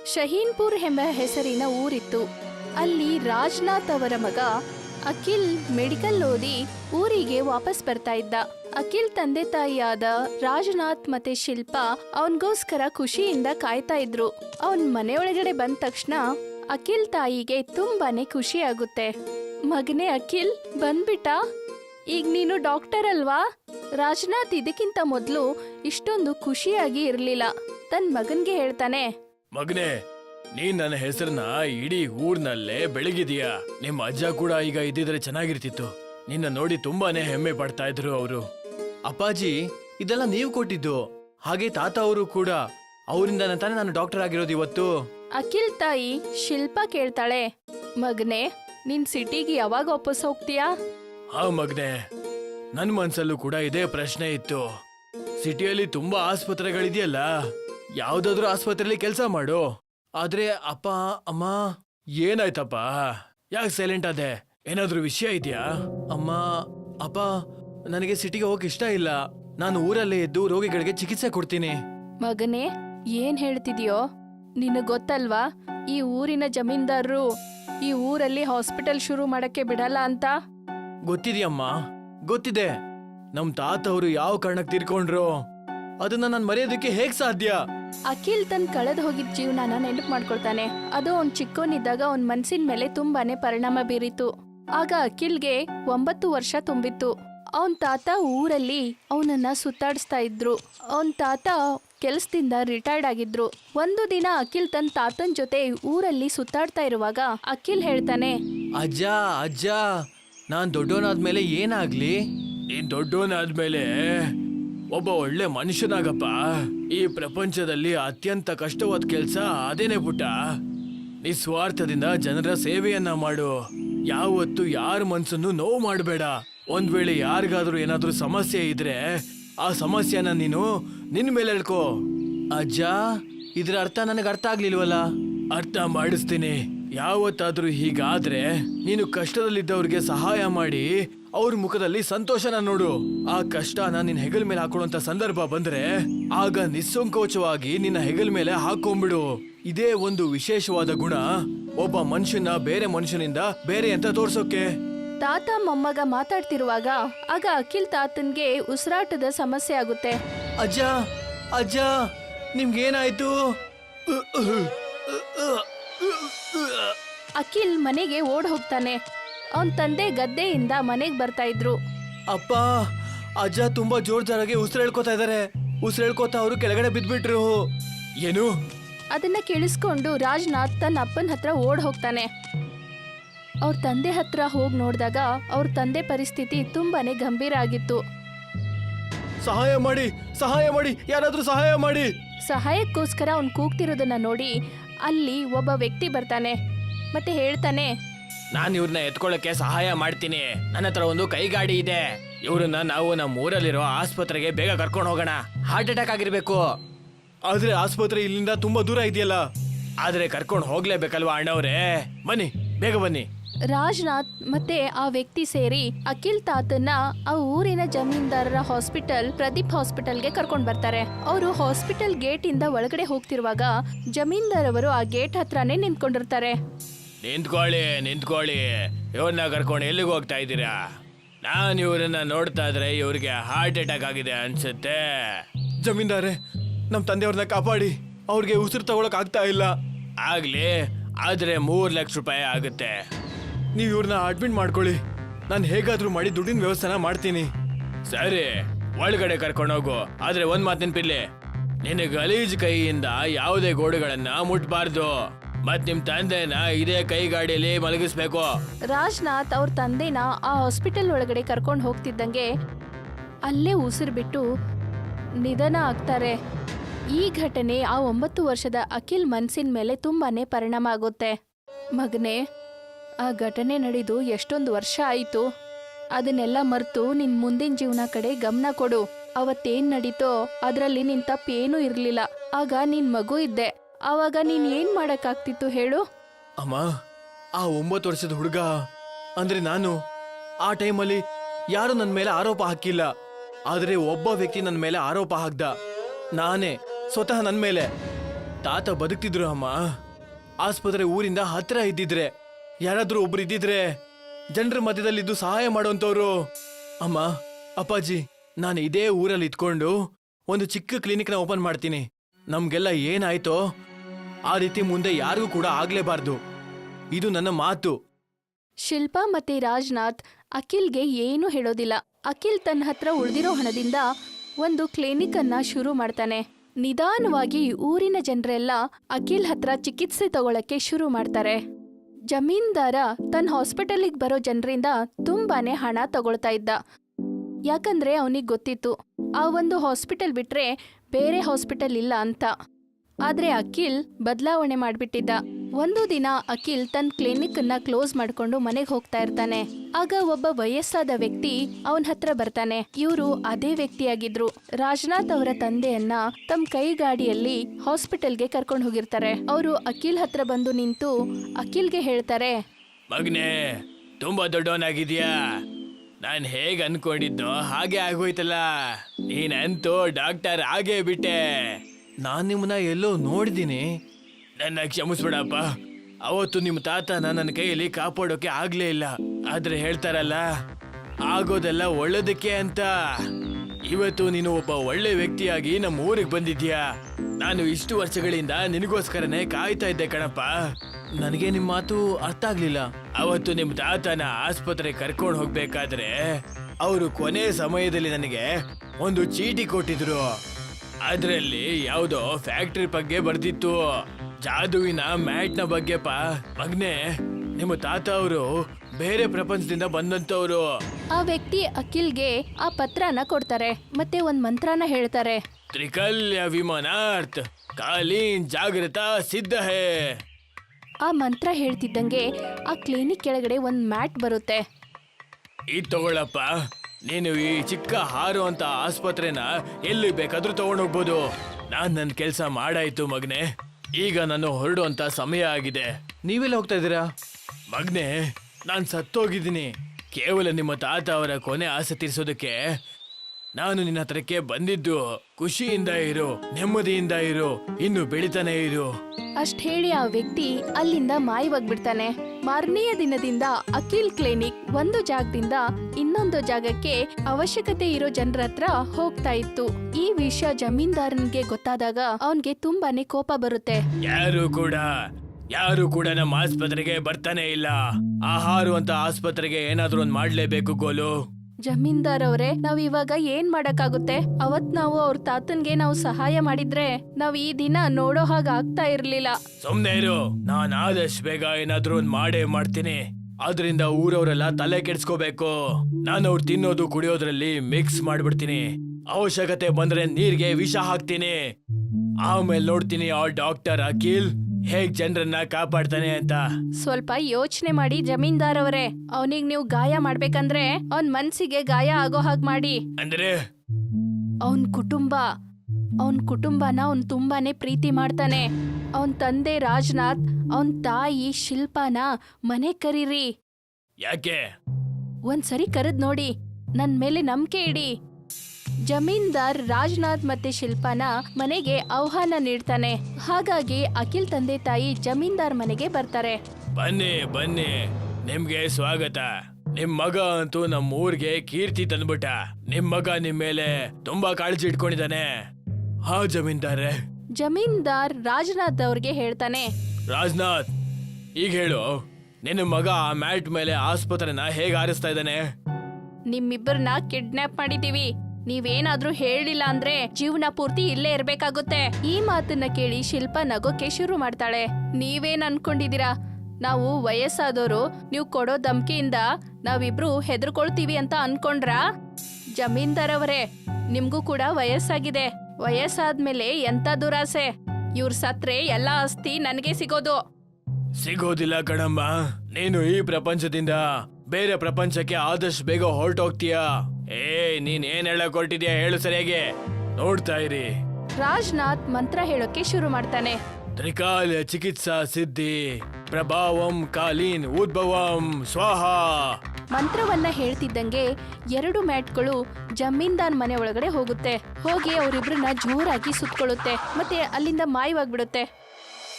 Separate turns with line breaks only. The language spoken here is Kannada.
ಶಹೀನ್ಪುರ್ ಎಂಬ ಹೆಸರಿನ ಊರಿತ್ತು. ಅಲ್ಲಿ ರಾಜ್ನಾಥ್ ಅವರ ಮಗ ಅಖಿಲ್ ಮೆಡಿಕಲ್ ಓದಿ ಊರಿಗೆ ವಾಪಸ್ ಬರ್ತಾ ಇದ್ದ. ಅಖಿಲ್ ತಂದೆ ತಾಯಿಯಾದ ರಾಜ್ನಾಥ್ ಮತ್ತೆ ಶಿಲ್ಪಾ ಅವನ್ಗೋಸ್ಕರ ಖುಷಿಯಿಂದ ಕಾಯ್ತಾ ಇದ್ರು. ಅವನ್ ಮನೆಯೊಳಗಡೆ ಬಂದ ತಕ್ಷಣ ಅಖಿಲ್ ತಾಯಿಗೆ ತುಂಬಾನೇ ಖುಷಿ ಆಗುತ್ತೆ. ಮಗನೇ ಅಖಿಲ್ ಬಂದ್ಬಿಟ್ಟ, ಈಗ ನೀನು ಡಾಕ್ಟರ್ ಅಲ್ವಾ? ರಾಜ್ನಾಥ್ ಇದಕ್ಕಿಂತ ಮೊದಲು ಇಷ್ಟೊಂದು ಖುಷಿಯಾಗಿ ಇರ್ಲಿಲ್ಲ. ತನ್ ಮಗನ್ಗೆ ಹೇಳ್ತಾನೆ,
ಮಗನೇ, ನೀನ್ ನನ್ನ ಹೆಸರನ್ನ ಇಡೀ ಊರ್ನಲ್ಲೇ ಬೆಳಗಿದೀಯಾ. ನಿಮ್ಮ ಅಜ್ಜ ಕೂಡ ಈಗ ಇದ್ದಿದ್ರೆ ಚೆನ್ನಾಗಿರ್ತಿತ್ತು. ನಿನ್ನ ನೋಡಿ ತುಂಬಾನೇ ಹೆಮ್ಮೆ ಪಡ್ತಾ ಇದ್ರು ಅವರು. ಅಪ್ಪಾಜಿ, ಇದೆಲ್ಲ ನೀವು ಕೊಟ್ಟಿದ್ದು. ಹಾಗೆ ತಾತ ಅವರು ಕೂಡ, ಅವರಿಂದ ತಾನೇ ನಾನು ಡಾಕ್ಟರ್ ಆಗಿರೋದು ಇವತ್ತು.
ಅಖಿಲ್ ತಾಯಿ ಶಿಲ್ಪಾ ಕೇಳ್ತಾಳೆ, ಮಗನೇ ನೀನ್ ಸಿಟಿಗೆ ಯಾವಾಗ ವಾಪಸ್ ಹೋಗ್ತೀಯಾ?
ಹಾ ಮಗನೇ, ನನ್ ಮನ್ಸಲ್ಲೂ ಕೂಡ ಇದೇ ಪ್ರಶ್ನೆ ಇತ್ತು. ಸಿಟಿಯಲ್ಲಿ ತುಂಬಾ ಆಸ್ಪತ್ರೆಗಳಿದೆಯಲ್ಲ, ಯಾವ್ದಾದ್ರು ಆಸ್ಪತ್ರೆಯಲ್ಲಿ ಕೆಲಸ ಮಾಡು. ಆದ್ರೆ ಅಪ್ಪ ಅಮ್ಮ. ಏನಾಯ್ತಪ್ಪ, ಯಾಕೆ ಸೈಲೆಂಟ್ ಆದೆ? ಏನಾದ್ರೂ ವಿಷಯ ಇದೆಯಾ? ಅಮ್ಮ ಅಪ್ಪ, ನನಗೆ ಸಿಟಿಗೆ ಹೋಗಕ್ ಇಷ್ಟ ಇಲ್ಲ. ನಾನು ಊರಲ್ಲೇ ಇದ್ದು ರೋಗಿಗಳಿಗೆ ಚಿಕಿತ್ಸೆ ಕೊಡ್ತೀನಿ.
ಮಗನೇ ಏನ್ ಹೇಳ್ತಿದ್ಯೋ? ನಿನಗ್ ಗೊತ್ತಲ್ವಾ ಈ ಊರಿನ ಜಮೀನ್ದಾರರು ಈ ಊರಲ್ಲಿ ಹಾಸ್ಪಿಟಲ್ ಶುರು ಮಾಡಕ್ಕೆ ಬಿಡಲ್ಲ ಅಂತ?
ಗೊತ್ತಿದ್ಯಮ್ಮ, ಗೊತ್ತಿದೆ. ನಮ್ ತಾತ ಅವರು ಯಾವ ಕಾರಣಕ್ಕೆ ತೀರ್ಕೊಂಡ್ರು ಅದನ್ನ ನಾನ್ ಮರೆಯೋದಕ್ಕೆ ಹೇಗ್ ಸಾಧ್ಯ?
ಅಖಿಲ್ ತನ್ ಕಳೆದ್ ಹೋಗಿದ್ ಜೀವನನ ನೆನಪು ಮಾಡ್ಕೊಳ್ತಾನೆ. ಅದು ಅವ್ನ್ ಚಿಕ್ಕೋನಿದ್ದಾಗ ಅವ್ನ್ ಮನ್ಸಿನ ಮೇಲೆ ತುಂಬಾನೇ ಪರಿಣಾಮ ಬೀರಿತು. ಆಗ ಅಖಿಲ್ಗೆ 9 ವರ್ಷ ತುಂಬಿತ್ತು. ಅವನ್ ತಾತ ಊರಲ್ಲಿ ಅವನನ್ನ ಸುತ್ತಾಡಿಸ್ತಾ ಇದ್ರು. ಅವನ್ ತಾತ ಕೆಲ್ಸದಿಂದ ರಿಟೈರ್ಡ್ ಆಗಿದ್ರು. ಒಂದು ದಿನ ಅಖಿಲ್ ತನ್ ತಾತನ್ ಜೊತೆ ಊರಲ್ಲಿ ಸುತ್ತಾಡ್ತಾ ಇರುವಾಗ ಅಖಿಲ್ ಹೇಳ್ತಾನೆ,
ಅಜ್ಜ ಅಜ್ಜ, ನಾನ್ ದೊಡ್ಡವನಾದ್ಮೇಲೆ ಏನಾಗ್ಲಿ? ನೀನ್ ದೊಡ್ಡವನಾದ್ಮೇಲೆ ಒಬ್ಬ ಒಳ್ಳೆ ಮನುಷ್ಯನಾಗಪ್ಪ. ಈ ಪ್ರಪಂಚದಲ್ಲಿ ಅತ್ಯಂತ ಕಷ್ಟವಾದ ಕೆಲ್ಸ ಅದೇನೆ ಪುಟ್ಟ. ನಿಸ್ವಾರ್ಥದಿಂದ ಜನರ ಸೇವೆಯನ್ನ ಮಾಡು. ಯಾವತ್ತು ಯಾರ ಮನ್ಸನ್ನು ನೋವು ಮಾಡಬೇಡ. ಒಂದ್ ವೇಳೆ ಯಾರಿಗಾದ್ರೂ ಏನಾದ್ರೂ ಸಮಸ್ಯೆ ಇದ್ರೆ ಆ ಸಮಸ್ಯೆನ ನೀನು ನಿನ್ ಮೇಲೆ ಹೇಳ್ಕೋ. ಅಜ್ಜ, ಇದ್ರ ಅರ್ಥ ನನಗೆ ಅರ್ಥ ಆಗ್ಲಿಲ್ವಲ್ಲ. ಅರ್ಥ ಮಾಡಿಸ್ತೀನಿ. ಯಾವತ್ತಾದ್ರೂ ಹೀಗಾದ್ರೆ ನೀನು ಕಷ್ಟದಲ್ಲಿದ್ದವ್ರಿಗೆ ಸಹಾಯ ಮಾಡಿ ಅವ್ರ ಮುಖದಲ್ಲಿ ಸಂತೋಷನ ನೋಡು. ಆ ಕಷ್ಟನ ನಿನ್ ಹೆಗಲ್ ಮೇಲೆ ಹಾಕೊಳ್ಳುವಂತ ಸಂದರ್ಭ ಬಂದ್ರೆ ಆಗ ನಿಸ್ಸಂಕೋಚವಾಗಿ ನಿನ್ನ ಹೆಗಲ್ ಮೇಲೆ ಹಾಕೊಂಡ್ಬಿಡು. ಇದೇ ಒಂದು ವಿಶೇಷವಾದ ಗುಣ, ಒಬ್ಬ ಮನುಷ್ಯನ ಬೇರೆ ಮನುಷ್ಯನಿಂದ ಬೇರೆ ಅಂತ ತೋರ್ಸೋಕೆ.
ತಾತ ಮೊಮ್ಮಗ ಮಾತಾಡ್ತಿರುವಾಗ ಆಗ ಅಖಿಲ್ ತಾತನ್ಗೆ ಉಸಿರಾಟದ ಸಮಸ್ಯೆ ಆಗುತ್ತೆ.
ಅಜ್ಜ ಅಜ್ಜ, ನಿಮ್ಗೇನಾಯ್ತು?
ಅಖಿಲ್ ಮನೆಗೆ ಓಡ್ ಹೋಗ್ತಾನೆ. ಅವನ್ ತಂದೆ ಗದ್ದೆಯಿಂದ ಮನೆಗ್ ಬರ್ತಾ ಇದ್ರು.
ಅಪ್ಪ, ಅಜ್ಜ ತುಂಬಾ ಜೋರ್ಜಾರಾಗಿ ಉಸಿರು ಹೇಳ್ಕೊತಾ ಇದಾರೆ. ಉಸಿರು ಹೇಳ್ಕೊತಾ ಅವರು ಕೆಳಗಡೆ ಬಿದ್ಬಿಟ್ರು. ಏನು?
ಅದನ್ನ ಕೇಳಿಸ್ಕೊಂಡು ರಾಜ್ನಾಥ್ ತನ್ನ ಅಪ್ಪನ ಹತ್ರ ಓಡ್ ಹೋಗ್ತಾನೆ. ಅವ್ರ ತಂದೆ ಹತ್ರ ಹೋಗಿ ನೋಡಿದಾಗ ಅವ್ರ ತಂದೆ ಪರಿಸ್ಥಿತಿ ತುಂಬಾನೇ ಗಂಭೀರ ಆಗಿತ್ತು.
ಸಹಾಯ ಮಾಡಿ, ಸಹಾಯ ಮಾಡಿ, ಯಾರಾದ್ರೂ ಸಹಾಯ ಮಾಡಿ.
ಸಹಾಯಕ್ಕೋಸ್ಕರ ಅವ್ನ್ ಕೂಗ್ತಿರೋದನ್ನ ನೋಡಿ ಅಲ್ಲಿ ಒಬ್ಬ ವ್ಯಕ್ತಿ ಬರ್ತಾನೆ ಮತ್ತೆ ಹೇಳ್ತಾನೆ,
ನಾನು ಇವ್ರನ್ನ ಎತ್ಕೊಳ್ಳಕ್ಕೆ ಸಹಾಯ ಮಾಡ್ತೀನಿ. ನನ್ನ ಹತ್ರ ಒಂದು ಕೈಗಾಡಿ ಇದೆ. ಇವ್ರನ್ನ ನಾವು ನಮ್ಮ ಊರಲ್ಲಿರೋ ಆಸ್ಪತ್ರೆಗೆ ಬೇಗ ಕರ್ಕೊಂಡು ಹೋಗೋಣ. ಹಾರ್ಟ್ ಅಟ್ಯಾಕ್ ಆಗಿರ್ಬೇಕು. ಆದ್ರೆ ಆಸ್ಪತ್ರೆ ಇಲ್ಲಿಂದ ತುಂಬಾ ದೂರ ಇದೆಯಲ್ಲ. ಆದ್ರೆ ಕರ್ಕೊಂಡು ಹೋಗ್ಲೇಬೇಕಲ್ವಾ ಅಣ್ಣವ್ರೆ? ಬನ್ನಿ, ಬೇಗ ಬನ್ನಿ.
ರಾಜ್ನಾಥ್ ಮತ್ತೆ ಆ ವ್ಯಕ್ತಿ ಸೇರಿ ಅಖಿಲ್ ತಾತನ್ನ ಆ ಊರಿನ ಜಮೀನ್ದಾರರ ಹಾಸ್ಪಿಟಲ್ ಪ್ರದೀಪ್ ಹಾಸ್ಪಿಟಲ್ಗೆ ಕರ್ಕೊಂಡ್ ಬರ್ತಾರೆ. ಅವರು ಹಾಸ್ಪಿಟಲ್ ಗೇಟ್ ಇಂದ ಒಳಗಡೆ ಹೋಗ್ತಿರುವಾಗ ಜಮೀನ್ದಾರ್ ಅವರು ಆ ಗೇಟ್ ಹತ್ರನೇ ನಿಂತ್ಕೊಂಡಿರ್ತಾರೆ.
ನಿಂತ್ಕೊಳ್ಳಿ, ನಿಂತ್ಕೊಳ್ಳಿ. ಇವ್ರನ್ನ ಕರ್ಕೊಂಡು ಎಲ್ಲಿಗೆ ಹೋಗ್ತಾ ಇದ್ದೀರಾ? ನಾನು ಇವ್ರನ್ನ ನೋಡ್ತಾ ಇದ್ರೆ ಇವ್ರಿಗೆ ಹಾರ್ಟ್ ಅಟ್ಯಾಕ್ ಆಗಿದೆ ಅನ್ಸುತ್ತೆ. ಜಮೀನ್ದಾರೆ, ನಮ್ ತಂದೆಯವ್ರನ್ನ ಕಾಪಾಡಿ. ಅವ್ರಿಗೆ ಉಸಿರು ತಗೊಳಕ್ ಆಗ್ತಾ ಇಲ್ಲ. ಆಗ್ಲಿ, ಆದ್ರೆ 3 ಲಕ್ಷ ರೂಪಾಯಿ ಆಗುತ್ತೆ. ನೀವು ಇವ್ರನ್ನ ಅಡ್ಮಿಟ್ ಮಾಡ್ಕೊಳ್ಳಿ. ನಾನು ಹೇಗಾದ್ರೂ ಮಾಡಿ ದುಡ್ಡಿನ ವ್ಯವಸ್ಥೆನ ಮಾಡ್ತೀನಿ. ಸರಿ, ಒಳಗಡೆ ಕರ್ಕೊಂಡೋಗು. ಆದ್ರೆ ಒಂದ್ ಮಾತು ನೆನ್ಪಿರ್ಲಿ, ನಿನ್ನ ಗಲೀಜ್ ಕೈಯಿಂದ ಯಾವುದೇ ಗೋಡೆಗಳನ್ನ ಮುಟ್ಬಾರ್ದು. ಮತ್ ನಿಮ್ ತಂದೆನ ಇದೇ ಕೈಗಾಡಿಯಲ್ಲಿ ಮಲಗಿಸ್ಬೇಕು.
ರಾಜ್ನಾಥ್ ಅವ್ರ ತಂದೆನ ಆ ಹಾಸ್ಪಿಟಲ್ ಒಳಗಡೆ ಕರ್ಕೊಂಡು ಹೋಗ್ತಿದ್ದಂಗೆ ಅಲ್ಲೇ ಉಸಿರು ಬಿಟ್ಟು ನಿಧನ ಆಗ್ತಾರೆ. ಈ ಘಟನೆ ಆ 9 ವರ್ಷದ ಅಖಿಲ್ ಮನ್ಸಿನ ಮೇಲೆ ತುಂಬಾನೇ ಪರಿಣಾಮ ಆಗುತ್ತೆ. ಮಗನೇ, ಆ ಘಟನೆ ನಡೆದು ಎಷ್ಟೊಂದು ವರ್ಷ ಆಯಿತು. ಅದನ್ನೆಲ್ಲ ಮರೆತು ನಿನ್ ಮುಂದಿನ ಜೀವನ ಕಡೆ ಗಮನ ಕೊಡು. ಅವತ್ತೇನ್ ನಡೀತೋ ಅದರಲ್ಲಿ ನಿನ್ ತಪ್ಪೇನೂ ಇರ್ಲಿಲ್ಲ. ಆಗ ನಿನ್ ಮಗು ಇದ್ದೆ. ಆವಾಗ ನೀನ್ ಏನ್ ಮಾಡಕ್ಕಾಗ್ತಿತ್ತು ಹೇಳು?
ಅಮ್ಮ, ಆ 9 ವರ್ಷದ ಹುಡುಗ ಅಂದ್ರೆ ನಾನು, ಆ ಟೈಮಲ್ಲಿ ಯಾರು ನನ್ನ ಮೇಲೆ ಆರೋಪ ಹಾಕಿಲ್ಲ. ಆದ್ರೆ ಒಬ್ಬ ವ್ಯಕ್ತಿ ನನ್ನ ಮೇಲೆ ಆರೋಪ ಹಾಕ್ದ. ನಾನೇ ಸ್ವತಃ ನನ್ನ ಮೇಲೆ. ತಾತ ಬದುಕ್ತಿದ್ರು ಅಮ್ಮ. ಆಸ್ಪತ್ರೆ ಊರಿಂದ ಹತ್ರ ಇದ್ದಿದ್ರೆ, ಯಾರಾದ್ರೂ ಒಬ್ರು ಇದ್ದಿದ್ರೆ, ಜನರ ಮಧ್ಯದಲ್ಲಿದ್ದು ಸಹಾಯ ಮಾಡೋಂಥವ್ರು. ಅಮ್ಮ, ಅಪ್ಪಾಜಿ, ನಾನು ಇದೇ ಊರಲ್ಲಿ ಇದ್ಕೊಂಡು ಒಂದು ಚಿಕ್ಕ ಕ್ಲಿನಿಕ್ನ ಓಪನ್ ಮಾಡ್ತೀನಿ. ನಮ್ಗೆಲ್ಲ ಏನಾಯ್ತೋ ಆ ರೀತಿ ಮುಂದೆ ಯಾರಿಗೂ ಕೂಡ ಆಗ್ಲೇಬಾರ್ದು. ಇದು ನನ್ನ ಮಾತು.
ಶಿಲ್ಪಾ ಮತ್ತೆ ರಾಜ್ನಾಥ್ ಅಖಿಲ್ಗೆ ಏನೂ ಹೇಳೋದಿಲ್ಲ. ಅಖಿಲ್ ತನ್ನ ಹತ್ರ ಉಳಿದಿರೋ ಹಣದಿಂದ ಒಂದು ಕ್ಲಿನಿಕ್ ಅನ್ನ ಶುರು ಮಾಡ್ತಾನೆ. ನಿಧಾನವಾಗಿ ಊರಿನ ಜನರೆಲ್ಲ ಅಖಿಲ್ ಹತ್ರ ಚಿಕಿತ್ಸೆ ತಗೊಳಕ್ಕೆ ಶುರು ಮಾಡ್ತಾರೆ. ಜಮೀನ್ದಾರ ತನ್ನ ಹಾಸ್ಪಿಟಲ್ಗೆ ಬರೋ ಜನರಿಂದ ತುಂಬಾನೇ ಹಣ ತಗೊಳ್ತಾ ಇದ್ದ. ಯಾಕಂದ್ರೆ ಅವನಿಗೆ ಗೊತ್ತಿತ್ತು ಆ ಒಂದು ಹಾಸ್ಪಿಟಲ್ ಬಿಟ್ರೆ ಬೇರೆ ಹಾಸ್ಪಿಟಲ್ ಇಲ್ಲ ಅಂತ. ಆದ್ರೆ ಅಖಿಲ್ ಬದಲಾವಣೆ ಮಾಡ್ಬಿಟ್ಟಿದ್ದ. ಒಂದು ದಿನ ಅಖಿಲ್ ತನ್ನ ಕ್ಲಿನಿಕ್ ಅನ್ನ ಕ್ಲೋಸ್ ಮಾಡ್ಕೊಂಡು ಮನೆಗೆ ಹೋಗ್ತಾ ಇರ್ತಾನೆ. ಆಗ ಒಬ್ಬ ವಯಸ್ಸಾದ ವ್ಯಕ್ತಿ ಅವನ ಹತ್ರ ಬರ್ತಾನೆ. ಇವರು ಅದೇ ವ್ಯಕ್ತಿಯಾಗಿದ್ರು. ರಾಜ್ನಾಥ್ ಅವರ ತಂದೆಯನ್ನ ತಮ್ಮ ಕೈ ಗಾಡಿಯಲ್ಲಿ ಹಾಸ್ಪಿಟಲ್ಗೆ ಕರ್ಕೊಂಡು ಹೋಗಿರ್ತಾರೆ. ಅವರು ಅಖಿಲ್ ಹತ್ರ ಬಂದು ನಿಂತು ಅಖಿಲ್ಗೆ ಹೇಳ್ತಾರೆ,
ಮಗನೇ, ತುಂಬಾ ದೊಡ್ಡವನಾಗಿದ್ಯಾ. ನಾನ್ ಹೇಗ್ ಅನ್ಕೊಂಡಿದ್ದೋ ಹಾಗೆ ಆಗೋಯ್ತಲ್ಲ. ನೀನಂತೂ ಡಾಕ್ಟರ್ ಆಗೇ ಬಿಟ್ಟೆ. ನಾನ್ ನಿಮ್ಮನ್ನ ಎಲ್ಲೋ ನೋಡಿದೀನಿ. ನನ್ನ ಕ್ಷಮಿಸ್ಬಿಡಪ್ಪ. ಅವತ್ತು ನಿಮ್ಮ ತಾತನ ನನ್ನ ಕೈಯಲ್ಲಿ ಕಾಪಾಡೋಕೆ ಆಗ್ಲೇ ಇಲ್ಲ. ಆದ್ರೆ ಹೇಳ್ತಾರಲ್ಲ, ಆಗೋದೆಲ್ಲ ಒಳ್ಳೇದಕ್ಕೆ ಅಂತ. ಇವತ್ತು ನೀನು ಒಬ್ಬ ಒಳ್ಳೆ ವ್ಯಕ್ತಿಯಾಗಿ ನಮ್ಮ ಊರಿಗೆ ಬಂದಿದ್ಯಾ. ನಾನು ಇಷ್ಟು ವರ್ಷಗಳಿಂದ ನಿನಗೋಸ್ಕರನೇ ಕಾಯ್ತಾ ಇದ್ದೆ ಕಣಪ್ಪ. ನನಗೆ ನಿಮ್ಮ ಮಾತು ಅರ್ಥ ಆಗ್ಲಿಲ್ಲ. ಅವತ್ತು ನಿಮ್ಮ ತಾತನ ಆಸ್ಪತ್ರೆ ಕರ್ಕೊಂಡು ಹೋಗ್ಬೇಕಾದ್ರೆ ಅವರು ಕೊನೆ ಸಮಯದಲ್ಲಿ ನನಗೆ ಒಂದು ಚೀಟಿ ಕೊಟ್ಟಿದ್ರು. ಅದ್ರಲ್ಲಿ ಯಾವುದೋ ಫ್ಯಾಕ್ಟ್ರಿ ಬಗ್ಗೆ ಬರ್ದಿತ್ತು, ಜಾದುವಿನ ಮ್ಯಾಟ್ನ ಬಗ್ಗೆಪ್ಪ. ಮಗ್ನೆ, ನಿಮ್ಮ ತಾತ ಅವರು ಬೇರೆ ಪ್ರಪಂಚದಿಂದ ಬಂದಂತವ್ರು.
ಆ ವ್ಯಕ್ತಿ ಅಖಿಲ್ಗೆ ಆ ಪತ್ರನ ಕೊಡ್ತಾರೆ ಮತ್ತೆ ಒಂದ್ ಮಂತ್ರನ ಹೇಳ್ತಾರೆ.
ತ್ರಿಕಲ್ಯ ವಿಮಾನಾರ್ಥ ಕಾಲೀನ್ ಜಾಗೃತ ಸಿದ್ಧ ಹೇ.
ಆ ಮಂತ್ರ ಹೇಳ್ತಿದ್ದಂಗೆ ಆ ಕ್ಲಿನಿಕ್ ಕೆಳಗಡೆ ಒಂದ್ ಮ್ಯಾಟ್ ಬರುತ್ತೆ.
ಇದ್ ತಗೊಳಪ್ಪ. ನೀನು ಈ ಚಿಕ್ಕ ಹಾರುವಂತ ಆಸ್ಪತ್ರೆನ ಎಲ್ಲಿ ಬೇಕಾದ್ರೂ ತಗೊಂಡೋಗ್ಬೋದು. ನಾನ್ ನನ್ನ ಕೆಲಸ ಮಾಡಾಯ್ತು ಮಗ್ನೆ. ಈಗ ನಾನು ಹೊರಡುವಂತ ಸಮಯ ಆಗಿದೆ. ನೀವೆಲ್ಲ ಹೋಗ್ತಾ ಇದ್ದೀರಾ? ಮಗ್ನೆ, ನಾನ್ ಸತ್ತೋಗಿದ್ದೀನಿ. ಕೇವಲ ನಿಮ್ಮ ತಾತ ಅವರ ಕೊನೆ ಆಸೆ ತೀರಿಸೋದಕ್ಕೆ ನಾನು ನಿನ್ನ ಹತ್ರಕ್ಕೆ ಬಂದಿದ್ದು. ಖುಷಿಯಿಂದ ಇರು, ನೆಮ್ಮದಿಯಿಂದ ಇರು, ಇನ್ನು ಬೆಳಿತಾನೆ ಇರು.
ಅಷ್ಟ್ ಹೇಳಿ ಆ ವ್ಯಕ್ತಿ ಅಲ್ಲಿಂದ ಮಾಯವಾಗ್ಬಿಡ್ತಾನೆ. ಮಾರನೆಯ ದಿನದಿಂದ ಅಖಿಲ್ ಕ್ಲಿನಿಕ್ ಒಂದು ಜಾಗದಿಂದ ಇನ್ನೊಂದು ಜಾಗಕ್ಕೆ ಅವಶ್ಯಕತೆ ಇರೋ ಜನರ ಹತ್ರ ಹೋಗ್ತಾ ಇತ್ತು. ಈ ವಿಷಯ ಜಮೀನ್ದಾರನ್ಗೆ ಗೊತ್ತಾದಾಗ ಅವನ್ಗೆ ತುಂಬಾನೇ ಕೋಪ ಬರುತ್ತೆ.
ಯಾರು ಕೂಡ ನಮ್ಮ ಆಸ್ಪತ್ರೆಗೆ ಬರ್ತಾನೆ ಇಲ್ಲ. ಆಹಾರ ಅಂತ ಆಸ್ಪತ್ರೆಗೆ ಏನಾದ್ರೂ ಒಂದ್ ಮಾಡ್ಲೇಬೇಕು ಗೋಲು.
ಜಮೀನ್ದಾರ್ ಅವರೇ, ನಾವ್ ಇವಾಗ ಏನ್ ಮಾಡಕ್ಕಾಗುತ್ತೆ? ಅವತ್ ನಾವು ಅವ್ರ ತಾತನ್ಗೆ ನಾವು ಸಹಾಯ ಮಾಡಿದ್ರೆ ನಾವ್ ಈ ದಿನ ನೋಡೋ ಹಾಗ ಆಗ್ತಾ ಇರ್ಲಿಲ್ಲ.
ಸುಮ್ನೆ ಇರು. ನಾನ್ ಆದಷ್ಟು ಬೇಗ ಏನಾದ್ರೂ ಒಂದ್ ಮಾಡೇ ಮಾಡ್ತೀನಿ. ಆದ್ರಿಂದ ಊರವರೆಲ್ಲ ತಲೆ ಕೆಡ್ಸ್ಕೋಬೇಕು. ನಾನು ಅವ್ರು ತಿನ್ನೋದು ಕುಡಿಯೋದ್ರಲ್ಲಿ ಮಿಕ್ಸ್ ಮಾಡ್ಬಿಡ್ತೀನಿ. ಅವಶ್ಯಕತೆ ಬಂದ್ರೆ ನೀರ್ಗೆ ವಿಷ ಹಾಕ್ತೀನಿ. ಆಮೇಲೆ ನೋಡ್ತೀನಿ ಆ ಡಾಕ್ಟರ್ ಅಖಿಲ್ ಹೇಗ್ ಜನರನ್ನ ಕಾಪಾಡ್ತಾನೆ ಅಂತ.
ಸ್ವಲ್ಪ ಯೋಚನೆ ಮಾಡಿ ಜಮೀನ್ದಾರ್ ಅವರೇ. ಅವನಿಗ್ ನೀವು ಗಾಯ ಮಾಡ್ಬೇಕಂದ್ರೆ ಅವನ್ ಮನ್ಸಿಗೆ ಗಾಯ ಆಗೋ ಹಾಗ್ ಮಾಡಿ.
ಅಂದ್ರೆ
ಅವನ್ ಕುಟುಂಬನ ಅವ್ನ್ ತುಂಬಾನೇ ಪ್ರೀತಿ ಮಾಡ್ತಾನೆ. ಅವನ್ ತಂದೆ ರಾಜ್ನಾಥ್, ಅವನ್ ತಾಯಿ ಶಿಲ್ಪಾನ ಮನೆ ಕರೀರಿ.
ಯಾಕೆ?
ಒಂದ್ಸರಿ ಕರೆದ್ ನೋಡಿ, ನನ್ ಮೇಲೆ ನಂಬಿಕೆ ಇಡಿ. ಜಮೀನ್ದಾರ್ ರಾಜ್ನಾಥ್ ಮತ್ತೆ ಶಿಲ್ಪಾನ ಮನೆಗೆ ಆಹ್ವಾನ ನೀಡ್ತಾನೆ. ಹಾಗಾಗಿ ಅಖಿಲ್ ತಂದೆ ತಾಯಿ ಜಮೀನ್ದಾರ್ ಮನೆಗೆ ಬರ್ತಾರೆ.
ಬನ್ನಿ, ನಿಮ್ಗೆ ಸ್ವಾಗತ. ನಿಮ್ ಮಗ ಅಂತೂ ನಮ್ಮ ಊರ್ಗೆ ಕೀರ್ತಿ ತಂದ್ಬಿಟ್ಟ. ನಿಮ್ ಮಗ ನಿಮ್ ಮೇಲೆ ತುಂಬಾ ಕಾಳಜಿ ಇಟ್ಕೊಂಡಿದ್ದಾನೆ. ಹಾ ಜಮೀನ್ದಾರೆ.
ಜಮೀನ್ದಾರ್ ರಾಜ್ನಾಥ್ ಅವ್ರಿಗೆ ಹೇಳ್ತಾನೆ,
ರಾಜ್ನಾಥ್, ಈಗ ಹೇಳು, ನಿನ್ನ ಮಗ ಆ ಮ್ಯಾಟ್ ಮೇಲೆ ಆಸ್ಪತ್ರೆನ ಹೇಗ್ ಆರಿಸ್ತಾ ಇದ್ದಾನೆ?
ನಿಮ್ಮಿಬ್ಬರನ್ನ ಕಿಡ್ನಾಪ್ ಮಾಡಿದೀವಿ. ನೀವೇನಾದ್ರೂ ಹೇಳಿಲ್ಲ ಅಂದ್ರೆ ಜೀವನ ಪೂರ್ತಿ ಇಲ್ಲೇ ಇರ್ಬೇಕಾಗುತ್ತೆ. ಈ ಮಾತನ್ನ ಕೇಳಿ ಶಿಲ್ಪಾ ನಗೋಕೆ ಶುರು ಮಾಡ್ತಾಳೆ. ನೀವೇನ್ ಅನ್ಕೊಂಡಿದೀರಾ? ನಾವು ವಯಸ್ಸಾದವರು, ನೀವು ಕೊಡೋ ಧಮ್ಕಿಯಿಂದ ನಾವಿಬ್ರು ಹೆದರ್ಕೊಳ್ತೀವಿ ಅಂತ ಅನ್ಕೊಂಡ್ರಾ? ಜಮೀನ್ದಾರ್ ಅವರೇ, ನಿಮ್ಗೂ ಕೂಡ ವಯಸ್ಸಾಗಿದೆ. ವಯಸ್ಸಾದ್ಮೇಲೆ ಎಂತ ದುರಾಸೆ? ಇವ್ರ ಸತ್ರೆ ಎಲ್ಲ ಆಸ್ತಿ ನನಗೆ
ಸಿಗೋದಿಲ್ಲ ಕಣಮ್ಮ. ನೀನು ಈ ಪ್ರಪಂಚದಿಂದ ಬೇರೆ ಪ್ರಪಂಚಕ್ಕೆ ಆದಷ್ಟು ಬೇಗ ಹೊರಟೋಗ್ತೀಯಾ. ನೀನ್ ಏನ್ ಹೇಳಕ್ ಹೊರಟಿದ್ಯಾ ಹೇಳು ಸರಿಯಾಗಿ. ನೋಡ್ತಾ ಇರಿ.
ರಾಜ್ನಾಥ್ ಮಂತ್ರ ಹೇಳೋಕೆ ಶುರು ಮಾಡ್ತಾನೆ.
ತ್ರಿಕಾಲ ಚಿಕಿತ್ಸಾ ಸಿದ್ಧಿ ಪ್ರಭಾವಂ ಕಾಲೀನ್ ಉದ್ಭವಂ ಸ್ವಾಹ.
ಮಂತ್ರವನ್ನ ಹೇಳ್ತಿದ್ದಂಗೆ 2 ಮ್ಯಾಟ್ಗಳು ಜಮೀನ್ದಾರ್ ಮನೆ ಒಳಗಡೆ ಹೋಗುತ್ತೆ. ಹೋಗಿ ಅವರಿಬ್ರನ್ನ ಜೋರಾಗಿ ಸುತ್ಕೊಳ್ಳುತ್ತೆ ಮತ್ತೆ ಅಲ್ಲಿಂದ ಮಾಯವಾಗ್ಬಿಡುತ್ತೆ.